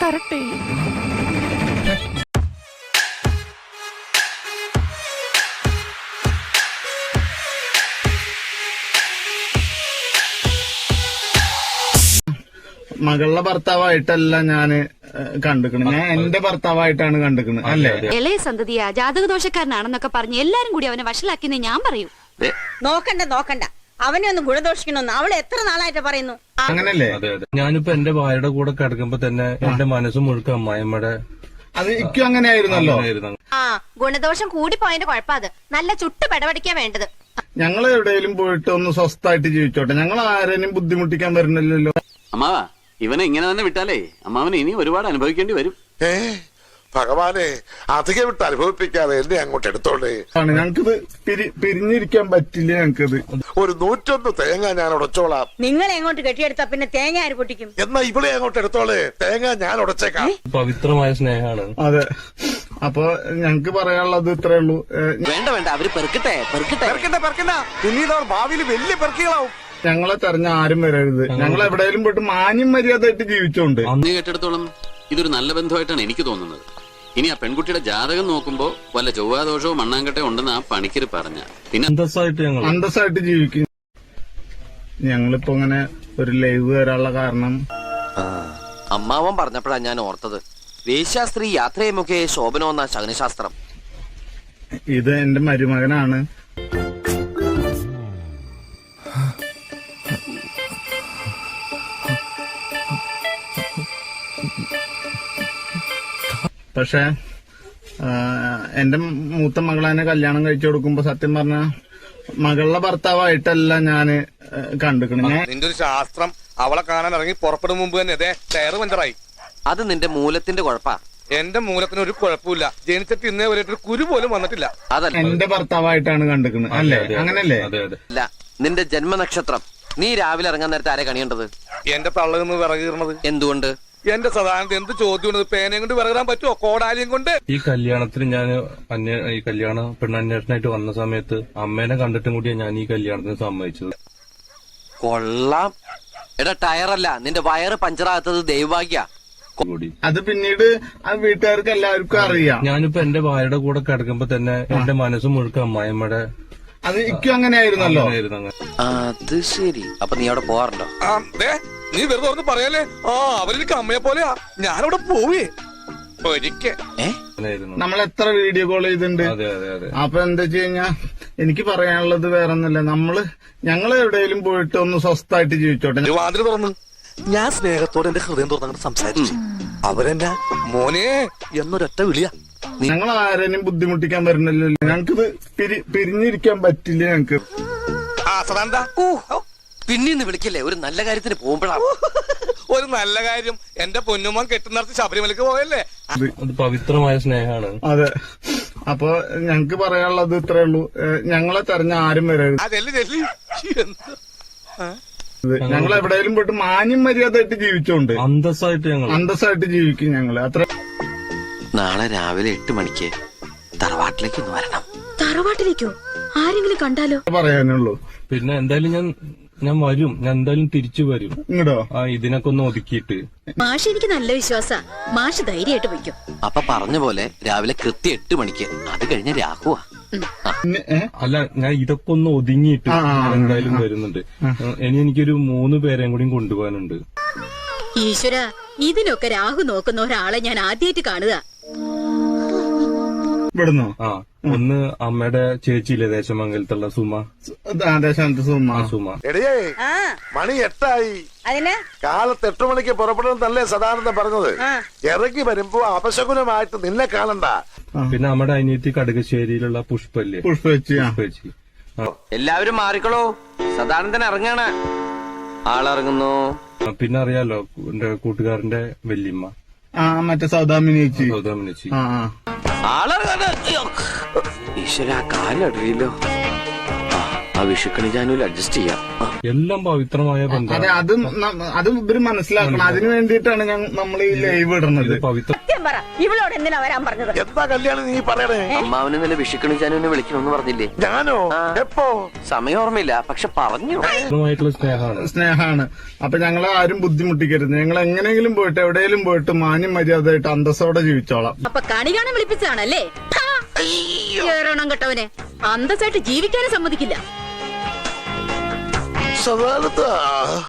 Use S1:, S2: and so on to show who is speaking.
S1: തരട്ടെ.
S2: മകളുടെ ഭർത്താവായിട്ടല്ല ഞാന് കണ്ടിക്കണത്, ഞാൻ എന്റെ ഭർത്താവായിട്ടാണ് കണ്ടിക്കണത്. അല്ലേ?
S3: ഇളയ സന്തതിയാ, ജാതകദോഷക്കാരനാണെന്നൊക്കെ പറഞ്ഞ് എല്ലാരും കൂടി അവനെ വഷളാക്കിന്ന് ഞാൻ പറയൂ.
S4: നോക്കണ്ട അവനെ ഒന്ന് ഗുണദോഷിക്കണമെന്ന് അവൾ എത്ര നാളായിട്ട് പറയുന്നു.
S2: അങ്ങനല്ലേ?
S5: ഞാനിപ്പോ എന്റെ ഭാര്യയുടെ കൂടെ കിടക്കുമ്പോ തന്നെ എന്റെ മനസ്സ് മുഴുക്ക അമ്മായിമ്മയുടെ
S2: അത് ഇക്കും അങ്ങനെ ആയിരുന്നല്ലോ.
S4: ആ ഗുണദോഷം കൂടിപ്പോയതിന്റെ കുഴപ്പത്. നല്ല ചുട്ട് പെടപടിക്കാ വേണ്ടത്.
S2: ഞങ്ങൾ എവിടെയെങ്കിലും പോയിട്ട് ഒന്ന് സ്വസ്ഥായിട്ട് ജീവിച്ചോട്ടെ, ഞങ്ങൾ ആരെയും ബുദ്ധിമുട്ടിക്കാൻ വരുന്നില്ലല്ലോ.
S6: അമ്മാവാ, ഇവനെ ഇങ്ങനെ തന്നെ വിട്ടാലേ അമ്മാവന് ഇനി ഒരുപാട് അനുഭവിക്കേണ്ടി വരും.
S7: ഭഗവാനെ, അധികം വിട്ട് അനുഭവിപ്പിക്കാതെ എന്നെ അങ്ങോട്ട് എടുത്തോളേ.
S2: ഞങ്ങൾക്കിത് പിരിഞ്ഞിരിക്കാൻ പറ്റില്ല. ഞങ്ങൾക്കിത്
S7: ഒരു 101 തേങ്ങ ഞാൻ ഉടച്ചോളാം.
S4: നിങ്ങൾ എങ്ങോട്ട് കെട്ടിയെടുത്താ പിന്നെ തേങ്ങ ആര് പൊട്ടിക്കും?
S7: എന്നാ ഇവിടെ അങ്ങോട്ട് എടുത്തോളേ, തേങ്ങ ഞാൻ ഉടച്ചേക്കാം.
S5: പവിത്രമായ സ്നേഹമാണ്.
S2: അതെ. അപ്പൊ ഞങ്ങക്ക് പറയാനുള്ളത് ഇത്രേ ഉള്ളൂ.
S6: വേണ്ട, അവര് പെറുക്കട്ടെ.
S7: പിന്നീട് അവർ ഭാവിയിൽ വലിയ പെറുക്കികളാവും.
S2: ഞങ്ങളെ തെരഞ്ഞ ആരും വരരുത്. ഞങ്ങൾ എവിടെയെങ്കിലും പോയിട്ട് മാന്യം മര്യാദയായിട്ട് ജീവിച്ചോണ്ട്.
S6: അന്ന് കേട്ടിടത്തോളം ഇതൊരു നല്ല ബന്ധമായിട്ടാണ് എനിക്ക് തോന്നുന്നത്. ഇനി ആ പെൺകുട്ടിയുടെ ജാതകം നോക്കുമ്പോ വല്ല ചൊവ്വാദോഷവും മണ്ണാങ്കട്ടെ ഉണ്ടെന്ന് ആ പണിക്കര് പറഞ്ഞ പിന്നെ
S2: അന്തസ്സായിട്ട് ജീവിക്കും. ഞങ്ങളിപ്പോ ഇങ്ങനെ ഒരു ലൈവ് വരാനുള്ള കാരണം
S8: അമ്മാവൻ പറഞ്ഞപ്പോഴാ ഞാൻ ഓർത്തത്. വേശ്യാസ്ത്രീ യാത്രയുമൊക്കെ ശോഭനമെന്ന ശകുനശാസ്ത്രം.
S2: ഇത് എന്റെ മരുമകനാണ്. പക്ഷെ എന്റെ മൂത്ത മകളെ കല്യാണം കഴിച്ചു കൊടുക്കുമ്പോ സത്യം പറഞ്ഞ മകളുടെ ഭർത്താവായിട്ടല്ല ഞാന് കണ്ടിക്കണത്.
S9: നിന്റെ ഒരു ശാസ്ത്രം അവളെ കാണാൻ ഇറങ്ങി പുറപ്പെടും മുമ്പ് തന്നെ ടയറ് പഞ്ചറായി.
S8: അത് നിന്റെ മൂലത്തിന്റെ കുഴപ്പാ.
S9: എന്റെ മൂലത്തിന് ഒരു കുഴപ്പമില്ല. ജനിച്ചിട്ട് ഇന്നേ വരെ ഒരു കുരു പോലും വന്നിട്ടില്ല.
S8: അതല്ല,
S2: എന്റെ ഭർത്താവായിട്ടാണ് കണ്ടിക്കണത്. അല്ലേ? അങ്ങനല്ലേ?
S8: അല്ല, നിന്റെ ജന്മനക്ഷത്രം. നീ രാവിലെ ഇറങ്ങാൻ നേരത്തെ ആരെ കണിയേണ്ടത്?
S9: എന്റെ തള്ളന്ന് വിറകീറണത്
S8: എന്തുകൊണ്ട്?
S9: എന്റെ സദാനത്ത് എന്ത് ചോദ്യം? പേനയും കൊണ്ട് വിറകിടാൻ പറ്റുമോ? കോടാലിയും കൊണ്ട്.
S5: ഈ കല്യാണത്തിന് ഞാൻ ഈ കല്യാണ പെണ്ണന്വേഷണമായിട്ട് വന്ന സമയത്ത് അമ്മേനെ കണ്ടിട്ടും കൂടിയാണ് ഞാൻ ഈ കല്യാണത്തിന് സമ്മതിച്ചത്.
S8: കൊള്ളാം. എടാ, ടയറല്ല, നിന്റെ വയറ് പഞ്ചറാകാത്തത് ദൈവഭാഗ്യ.
S2: അത് പിന്നീട് ആ വീട്ടുകാർക്ക് എല്ലാവർക്കും അറിയാം.
S5: ഞാനിപ്പോ എന്റെ ഭാര്യയുടെ കൂടെ കിടക്കുമ്പോ തന്നെ എന്റെ മനസ്സ് മുഴുക്ക അമ്മായിമ്മയുടെ
S2: അത് ഇക്കും അങ്ങനെ ആയിരുന്നല്ലോ.
S8: അത് ശരി. അപ്പൊ നീ അവിടെ പോവാറുണ്ടോ?
S9: നീ വെറുതെ ഒന്ന് പറയാലേ. അവരെനിക്ക് അമ്മയെ പോലെയാ. ഞാനവിടെ പോവേ ഒരിക്കൽ.
S2: നമ്മൾ എത്ര വീഡിയോ കോൾ ചെയ്തിട്ടുണ്ട്. അപ്പൊ എന്താ വെച്ച് കഴിഞ്ഞാ എനിക്ക് പറയാനുള്ളത് വേറെ ഒന്നുമില്ല. ഞങ്ങൾ എവിടെയെങ്കിലും പോയിട്ട് ഒന്ന് സ്വസ്ഥായിട്ട് ജീവിച്ചോട്ടെ.
S9: വാതിൽ തുറന്നു
S7: ഞാൻ സ്നേഹത്തോടെ എന്റെ ഹൃദയം തുറന്നങ്ങോട്ട് സംസാരിച്ചു. അവരെന്നെ
S9: മോനെ
S7: എന്നൊരൊറ്റ വിളിയാ.
S2: ഞങ്ങൾ ആരെയും ബുദ്ധിമുട്ടിക്കാൻ വരുന്നില്ലല്ലോ. ഞങ്ങൾക്കിത് പിരിഞ്ഞിരിക്കാൻ പറ്റില്ല. ഞങ്ങക്ക്
S8: പിന്നീന്ന് വിളിക്കില്ലേ? ഒരു നല്ല കാര്യത്തിന് പോകുമ്പോഴാണ്.
S9: ഒരു നല്ല കാര്യം. എന്റെ പൊന്നുമ്മ കെട്ടുന്നിടത്ത് ശബരിമലക്ക് പോയല്ലേ.
S5: അത് പവിത്രമായ സ്നേഹമാണ്.
S2: അതെ. അപ്പൊ ഞങ്ങക്ക് പറയാനുള്ളത് ഇത്രേ ഉള്ളൂ. ഞങ്ങളെ തെരഞ്ഞ ആരും വരരുത്. ഞങ്ങൾ എവിടെയെങ്കിലും പോയിട്ട് മാന്യം മര്യാദയായിട്ട് ജീവിച്ചോണ്ട് അന്തസ്സായിട്ട് ജീവിക്കും ഞങ്ങള്. അത്ര.
S8: നാളെ രാവിലെ 8 മണിക്ക് തറവാട്ടിലേക്ക് ഒന്ന് വരണം.
S3: തറവാട്ടിലേക്കോ? ആരെങ്കിലും കണ്ടാലോ?
S2: പറയാനുള്ളൂ.
S5: പിന്നെ എന്തായാലും ഞാൻ വരും. ഞാൻ എന്തായാലും തിരിച്ചു വരും.
S2: ഇങ്ങടോ?
S5: ഇതിനൊക്കെ ഒന്ന് ഒതുക്കിയിട്ട്.
S3: മാഷ് എനിക്ക് നല്ല വിശ്വാസ. മാഷ് ധൈര്യമായിട്ട് വയ്ക്കും.
S8: അപ്പൊ പറഞ്ഞ പോലെ രാവിലെ കൃത്യം 8 മണിക്ക്. അത് കഴിഞ്ഞ രാഹുവാ.
S5: അല്ല, ഞാൻ ഇതൊക്കെ ഒന്ന് ഒതുങ്ങിയിട്ട് എന്തായാലും വരുന്നുണ്ട്. ഇനി എനിക്കൊരു 3 പേരെയും കൂടി കൊണ്ടുപോകാനുണ്ട്.
S3: ഈശ്വര, ഇതിനൊക്കെ രാഹു നോക്കുന്ന ഒരാളെ ഞാൻ ആദ്യമായിട്ട് കാണുക.
S2: ഇവിടുന്നോ?
S5: ഒന്ന് അമ്മയുടെ ചേച്ചിയില്ലേ, ദേശമംഗലത്തുള്ള സുമ. സുമ.
S7: എടിയേ, മണി 8
S4: അതിന്
S7: കാലത്ത് 8 മണിക്ക് പുറപ്പെടുന്നല്ലേ സദാനന്ദൻ പറഞ്ഞത്. ഇറങ്ങി വരുമ്പോ അപശകുനമായിട്ട് നിന്നെ കാണണ്ട.
S5: പിന്നെ നമ്മുടെ അനിയത്തി കടുകശ്ശേരിയിലുള്ള പുഷ്പല്ലേ, പുഷ്പേച്ചി.
S8: എല്ലാവരും മാറിക്കളോ, സദാനന്ദൻ ഇറങ്ങാണ്. ആളിറങ്ങുന്നു.
S5: പിന്നെ അറിയാലോ എന്റെ കൂട്ടുകാരന്റെ വല്യമ്മ,
S2: മറ്റേ സൗദാമിനിച്ചി.
S8: ആളിറങ്ങാണ്. ഈശ്വര, കാലടിയില്ലോ. ആ വിഷുക്കണി ജാനുവിൽ അഡ്ജസ്റ്റ് ചെയ്യാം.
S5: എല്ലാം പവിത്രമായ
S2: അതെ,
S5: ബന്ധമാണ്.
S2: അത് ഇവര് മനസ്സിലാക്കണം. അതിനു വേണ്ടിയിട്ടാണ് നമ്മൾ ഈ ലൈവ് ഇടുന്നത്.
S5: ഇത് പവിത്ര
S4: സത്യം പറ, ഇവളോട് എന്തിനാ വരാൻ പറഞ്ഞത്?
S7: എന്താ കല്യാണം നീ പറയണേ?
S8: അമ്മാവന് ഇന്നലെ വിഷുക്കണി ജാനുവിനെ വിളിക്കണമെന്ന് പറഞ്ഞില്ലേ?
S7: ഞാനോ? എപ്പോ?
S8: സമയം ഓർമ്മയില്ല, പക്ഷെ പറഞ്ഞു.
S5: പവിത്രമായിട്ടുള്ള
S2: സ്നേഹമാണ്. അപ്പൊ ഞങ്ങളെ ആരും ബുദ്ധിമുട്ടിക്കരുത്. ഞങ്ങൾ എങ്ങനെയെങ്കിലും പോയിട്ട് എവിടെയെങ്കിലും പോയിട്ട് മാന്യം മര്യാദയായിട്ട് അന്തസ്സോടെ ജീവിച്ചോളാം.
S3: അപ്പൊ കണി കാണാൻ വിളിപ്പിച്ചതാണല്ലേ? കേറണം കേട്ടവനെ, അന്തസ്സായിട്ട് ജീവിക്കാനും സമ്മതിക്കില്ല.
S7: സദാനന്ദ